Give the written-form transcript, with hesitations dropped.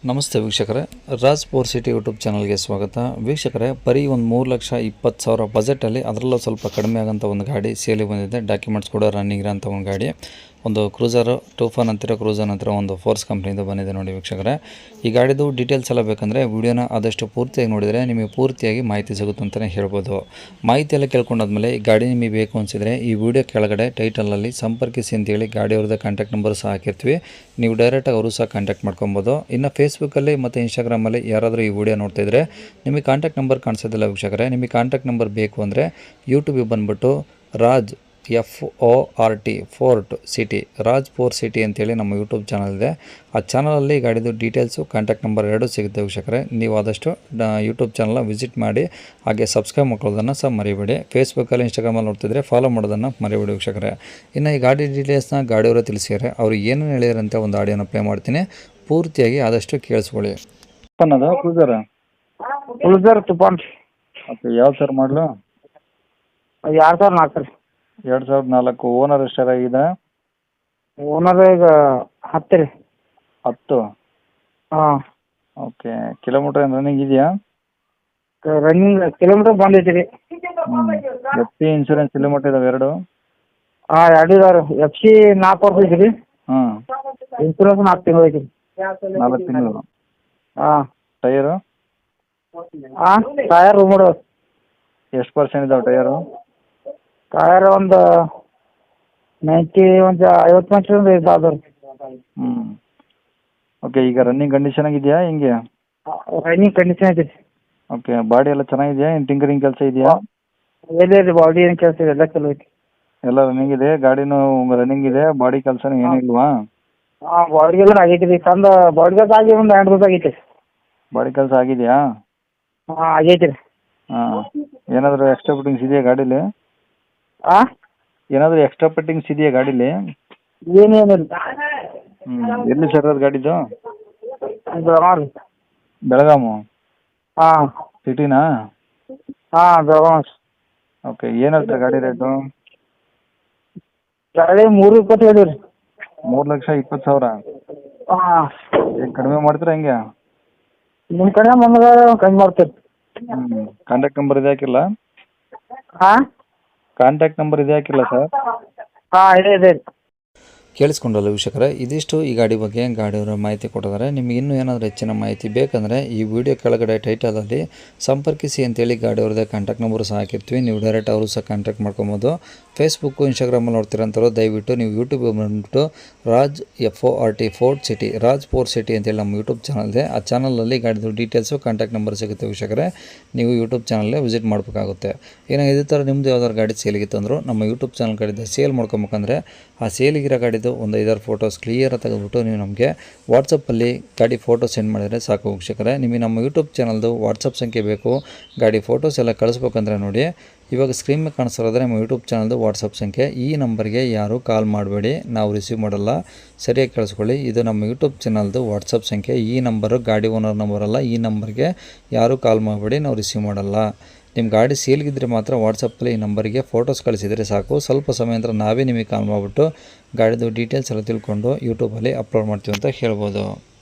ನಮಸ್ತೆ ವೀಕ್ಷಕರೇ, Raj fort city YouTube ಚಾನಲ್ಗೆ ಸ್ವಾಗತ. ವೀಕ್ಷಕರೇ, ಬರೀ ಒಂದು 3,20,000 ಬಜೆಟಲ್ಲಿ ಅದರಲ್ಲೂ ಸ್ವಲ್ಪ ಕಡಿಮೆ ಆಗೋಂಥ ಒಂದು ಗಾಡಿ ಸೇಲಿಗೆ ಬಂದಿದೆ. ಡಾಕ್ಯುಮೆಂಟ್ಸ್ ಕೂಡ ರನ್ನಿಂಗ್ ಇರೋಂಥ ಒಂದು ಗಾಡಿ, ಒಂದು ಕ್ರೂಸರು ಟೂಫಾನ್ ಅಂತಿರೋ ಕ್ರೂಸರ್ ನಂತರ ಒಂದು ಫೋರ್ಸ್ ಕಂಪ್ನಿಯಿಂದ ಬಂದಿದೆ ನೋಡಿ ವೀಕ್ಷಕರೇ. ಈ ಗಾಡಿದು ಡೀಟೇಲ್ಸ್ ಎಲ್ಲ ಬೇಕಂದರೆ ವಿಡಿಯೋನ ಆದಷ್ಟು ಪೂರ್ತಿಯಾಗಿ ನೋಡಿದರೆ ನಿಮಗೆ ಪೂರ್ತಿಯಾಗಿ ಮಾಹಿತಿ ಸಿಗುತ್ತೆ ಅಂತಲೇ ಹೇಳ್ಬೋದು. ಮಾಹಿತಿ ಎಲ್ಲ ಕೇಳ್ಕೊಂಡಾದ್ಮೇಲೆ ಈ ಗಾಡಿ ನಿಮಗೆ ಬೇಕು ಅನಿಸಿದರೆ ಈ ವಿಡಿಯೋ ಕೆಳಗಡೆ ಟೈಟಲಲ್ಲಿ ಸಂಪರ್ಕಿಸಿ ಅಂತೇಳಿ ಗಾಡಿಯವ್ರದ್ದು ಕಾಂಟ್ಯಾಕ್ಟ್ ನಂಬರ್ ಸಹ ಹಾಕಿರ್ತೀವಿ. ನೀವು ಡೈರೆಕ್ಟಾಗಿ ಅವರು ಸಹ ಕಾಂಟ್ಯಾಕ್ಟ್ ಮಾಡ್ಕೊಬೋದು. ಇನ್ನು ಫೇಸ್ಬುಕ್ಕಲ್ಲಿ ಮತ್ತು ಇನ್ಸ್ಟಾಗ್ರಾಮಲ್ಲಿ ಯಾರಾದರೂ ಈ ವಿಡಿಯೋ ನೋಡ್ತಾಯಿದ್ರೆ ನಿಮಗೆ ಕಾಂಟ್ಯಾಕ್ಟ್ ನಂಬರ್ ಕಾಣಿಸೋದಿಲ್ಲ ವೀಕ್ಷಕರೇ. ನಿಮಗೆ ಕಾಂಟ್ಯಾಕ್ಟ್ ನಂಬರ್ ಬೇಕು ಅಂದರೆ ಯೂಟ್ಯೂಬಿಗೆ ಬಂದುಬಿಟ್ಟು Raj FORT fort city, Raj fort city ಅಂತೇಳಿ ನಮ್ಮ ಯೂಟ್ಯೂಬ್ ಚಾನಲ್ ಇದೆ. ಆ ಚಾನಲಲ್ಲಿ ಗಾಡಿದು ಡೀಟೇಲ್ಸು ಕಾಂಟ್ಯಾಕ್ಟ್ ನಂಬರ್ ಎರಡೂ ಸಿಗುತ್ತೆ ವೀಕ್ಷಕರೇ. ನೀವು ಆದಷ್ಟು ಯೂಟ್ಯೂಬ್ ಚಾನಲ್ನ ವಿಸಿಟ್ ಮಾಡಿ, ಹಾಗೆ ಸಬ್ಸ್ಕ್ರೈಬ್ ಮಾಡ್ಕೊಳ್ಳೋದನ್ನು ಸಹ ಮರಿಬೇಡಿ. ಫೇಸ್ಬುಕ್ಕಲ್ಲಿ ಇನ್ಸ್ಟಾಗ್ರಾಮಲ್ಲಿ ನೋಡ್ತಿದ್ರೆ ಫಾಲೋ ಮಾಡೋದನ್ನು ಮರಿಬೇಡಿ ವೀಕ್ಷಕರೇ. ಇನ್ನು ಈ ಗಾಡಿ ಡೀಟೇಲ್ಸ್ನ ಗಾಡಿಯವರು ತಿಳಿಸಿದ್ದಾರೆ. ಅವರು ಏನೇನು ಹೇಳಿದಾರಂತೆ ಒಂದು ಆಡಿಯೋನ ಪ್ಲೇ ಮಾಡ್ತೀನಿ, ಪೂರ್ತಿಯಾಗಿ ಆದಷ್ಟು ಕೇಳಿಸ್ಕೊಳ್ಳಿ. ಅದು ಕ್ರೂಸರ್ ತುಫಾನ್. ಓಕೆ, ಯಾವ ಸರ್ ಮಾಡಲು? 2004 ರೀ. 2004. ಓನರ್ ಎಷ್ಟಾಗಿದೆ? ಓನರ್ ಈಗ 10 ರೀ. 10. ಹಾಂ. ಓಕೆ, ಕಿಲೋಮೀಟ್ರ್ ಏನು ರನ್ನಿಂಗ್ ಇದೆಯಾ? ರನ್ನಿಂಗ್ ಕಿಲೋಮೀಟ್ರ್ ಬಂದೈತಿ ರೀ. ಎಫ್ ಸಿ ಇನ್ಶೂರೆನ್ಸ್ ಕಿಲೋಮೀಟ್ರ್ ಇದಾವೆ ಎರಡು? ಹಾಂ, 2 ಇದಾವೆ. ಎಫ್ ಸಿ 4 ವರ್ಷ ಐತಿ ರೀ. ಹಾಂ. ಇನ್ಶೂರೆನ್ಸ್ 4 ತಿಂಗಳು ಐತಿ ರೀ. 4 ತಿಂಗಳು. ಹಾಂ. ಟೈರು? ಹಾಂ, ಟಯರ್ ರೂಮಡು. ಎಷ್ಟು ಪರ್ಸೆಂಟ್ ಇದಾವೆ ಟೈರು? ಟಯರ್ ಒಂದು 50% ಇದಾವೆ ರೀ. ಹ್ಞೂ. ಓಕೆ, ಈಗ ರನ್ನಿಂಗ್ ಕಂಡೀಷನ್ ಆಗಿದೆಯಾ ಹಿಂಗೆ? ರನ್ನಿಂಗ್ ಕಂಡೀಷನ್ ಐತಿ ರೀ. ಓಕೆ, ಬಾಡಿ ಎಲ್ಲ ಚೆನ್ನಾಗಿದೆಯಾ? ಏನು ಟಿಂಕರಿಂಗ್ ಕೆಲಸ ಇದೆಯಾ? ಎಲ್ಲಿ ಬಾಡಿ ಏನು ಕೆಲಸ ಇದೆ, ಎಲ್ಲ ಚಲೋ ಐತಿ. ಎಲ್ಲ ರನ್ನಿಂಗ್ ಇದೆ, ಗಾಡಿನೂ ರನ್ನಿಂಗ್ ಇದೆ, ಬಾಡಿ ಕೆಲಸನೂ ಏನೂ ಇಲ್ವಾ? ಹಾಂ, ಬಾಡಿಗೆಲ್ಲ ಆಗೈತಿ ರೀ. ತಂದು ಬಾಡಿ ಕೆಲಸ ಆಗಿ ಒಂದು 2 ದಿವಸ ಆಗೈತಿ. ಬಾಡಿ ಕೆಲಸ ಆಗಿದೆಯಾ? ಹಾಂ, ಆಗೈತಿ ರೀ. ಹಾಂ. ಏನಾದರೂ ಎಕ್ಸ್ಟ್ರಾ ಫಿಟ್ಟಿಂಗ್ಸ್ ಇದೆಯಾ ಗಾಡೀಲಿ? ಹಾಂ, ಏನಾದರೂ ಎಕ್ಸ್ಟ್ರಾ ಫಿಟ್ಟಿಂಗ್ಸ್ ಇದೆಯಾ ಗಾಡೀಲಿ? ಏನೇನಿಲ್ಲ. ಎಲ್ಲಿ ಸರ್ ಅದು ಗಾಡಿದು? ಬೆಳಗಾವ್ ರೀ. ಬೆಳಗಾಮು ಹಾಂ. ಸಿಟಿನಾ? ಹಾಂ, ಬೆಳಗಾವ್. ಓಕೆ, ಏನು ಹೇಳ್ತಾರೆ ಗಾಡಿ ರೇಟು? ಗಾಡಿ 3.20 ಹೇಳಿವಿ ರೀ. 3,20,000. ಹಾಂ. ಏನು ಕಡಿಮೆ ಮಾಡ್ತೀರಾ ಹೆಂಗೆ? ನಿಮ್ಮ ಕಡೆ ಬಂದಾಗ ಕಮ್ಮಿ ಮಾಡ್ತೀರಿ. ಕಾಂಟ್ಯಾಕ್ಟ್ ನಂಬರ್ ಇದೆ ಹಾಕಿಲ್ಲ? ಹಾಂ. ಕಾಂಟ್ಯಾಕ್ಟ್ ನಂಬರ್ ಇದೆ ಹಾಕಿಲ್ಲ ಸರ್? ಹಾಂ, ಇದೆ ರೀ. ಕೇಳಿಸ್ಕೊಂಡಲ್ಲ ವೀಕ್ಷಕರೇ, ಇದಿಷ್ಟು ಈ ಗಾಡಿ ಬಗ್ಗೆ ಗಾಡಿಯವರ ಮಾಹಿತಿ ಕೊಟ್ಟಿದ್ದಾರೆ. ನಿಮಗೆ ಇನ್ನೂ ಏನಾದರೂ ಹೆಚ್ಚಿನ ಮಾಹಿತಿ ಬೇಕಂದರೆ ಈ ವಿಡಿಯೋ ಕೆಳಗಡೆ ಟೈಟಲಲ್ಲಿ ಸಂಪರ್ಕಿಸಿ ಅಂತೇಳಿ ಗಾಡಿಯವ್ರದ್ದೇ ಕಾಂಟ್ಯಾಕ್ಟ್ ನಂಬರ್ ಸಹ ಹಾಕಿರ್ತೀವಿ. ನೀವು ಡೈರೆಕ್ಟ್ ಅವರು ಸಹ ಕಾಂಟ್ಯಾಕ್ಟ್ ಮಾಡ್ಕೊಬೋದು. ಫೇಸ್ಬುಕ್ಕು ಇನ್ಸ್ಟಾಗ್ರಾಮಲ್ಲಿ ನೋಡ್ತಿರೋಂಥವ್ರು ದಯವಿಟ್ಟು ನೀವು ಯೂಟ್ಯೂಬಿಗೆ ಬಂದುಬಿಟ್ಟು Raj FORT fort city, Raj fort city ಅಂತೇಳಿ ನಮ್ಮ ಯೂಟ್ಯೂಬ್ ಚಾನಲ್ ಇದೆ. ಆ ಚಾನಲಲ್ಲಿ ಗಾಡಿದು ಡೀಟೇಲ್ಸು ಕಾಂಟ್ಯಾಕ್ಟ್ ನಂಬರ್ ಸಿಗುತ್ತೆ ವೀಕ್ಷಕರೇ. ನೀವು ಯೂಟ್ಯೂಬ್ ಚಾನಲ್ಲೇ ವಿಸಿಟ್ ಮಾಡಬೇಕಾಗುತ್ತೆ. ಏನೋ ಇದೇ ಥರ ನಿಮ್ಮದು ಯಾವ್ದಾದ್ರು ಗಾಡಿ ಸೇಲಿಗಿತ್ತಂದ್ರು ನಮ್ಮ ಯೂಟ್ಯೂಬ್ ಚಾನಲ್ ಕಡೆಯಿಂದ ಸೇಲ್ ಮಾಡ್ಕೊಬೇಕಂದ್ರೆ ಆ ಸೇಲಿಗಿರೋ ಗಾಡಿದು ಒಂದು 5-6 ಫೋಟೋಸ್ ಕ್ಲಿಯರಾಗಿ ತೆಗೆದುಬಿಟ್ಟು ನೀವು ನಮಗೆ ವಾಟ್ಸಪ್ಪಲ್ಲಿ ಗಾಡಿ ಫೋಟೋ ಸೆಂಡ್ ಮಾಡಿದರೆ ಸಾಕು ವೀಕ್ಷಕರೇ. ನಿಮಗೆ ನಮ್ಮ ಯೂಟ್ಯೂಬ್ ಚಾನಲ್ದು ವಾಟ್ಸಪ್ ಸಂಖ್ಯೆ ಬೇಕು, ಗಾಡಿ ಫೋಟೋಸ್ ಎಲ್ಲ ಕಳಿಸ್ಬೇಕಂದ್ರೆ ನೋಡಿ, ಇವಾಗ ಸ್ಕ್ರೀನ್ ಮೇಲೆ ಕಾಣಿಸ್ತಿರೋದ್ರೆ ನಮ್ಮ ಯೂಟ್ಯೂಬ್ ಚಾನಲ್ದು ವಾಟ್ಸಪ್ ಸಂಖ್ಯೆ. ಈ ನಂಬರ್ಗೆ ಯಾರೂ ಕಾಲ್ ಮಾಡಬೇಡಿ, ನಾವು ರಿಸೀವ್ ಮಾಡಲ್ಲ. ಸರಿಯಾಗಿ ಕೇಳಿಸ್ಕೊಳ್ಳಿ, ಇದು ನಮ್ಮ ಯೂಟ್ಯೂಬ್ ಚಾನಲ್ದು ವಾಟ್ಸಪ್ ಸಂಖ್ಯೆ. ಈ ನಂಬರು ಗಾಡಿ ಓನರ್ ನಂಬರ್ ಅಲ್ಲ. ಈ ನಂಬರ್ಗೆ ಯಾರೂ ಕಾಲ್ ಮಾಡಬೇಡಿ, ನಾವು ರಿಸೀವ್ ಮಾಡಲ್ಲ. ನಿಮ್ಮ ಗಾಡಿ ಸೇಲ್ಗಿದ್ರೆ ಮಾತ್ರ ವಾಟ್ಸಪ್ಪಲ್ಲಿ ಈ ನಂಬರಿಗೆ ಫೋಟೋಸ್ ಕಳಿಸಿದರೆ ಸಾಕು. ಸ್ವಲ್ಪ ಸಮಯ ನಂತರ ನಾವೇ ನಿಮಗೆ ಕಾಲ್ ಮಾಡಿಬಿಟ್ಟು ಗಾಡಿದು ಡೀಟೇಲ್ಸ್ ಎಲ್ಲ ತಿಳ್ಕೊಂಡು ಯೂಟ್ಯೂಬಲ್ಲಿ ಅಪ್ಲೋಡ್ ಮಾಡ್ತೀವಿ ಅಂತ ಹೇಳ್ಬೋದು.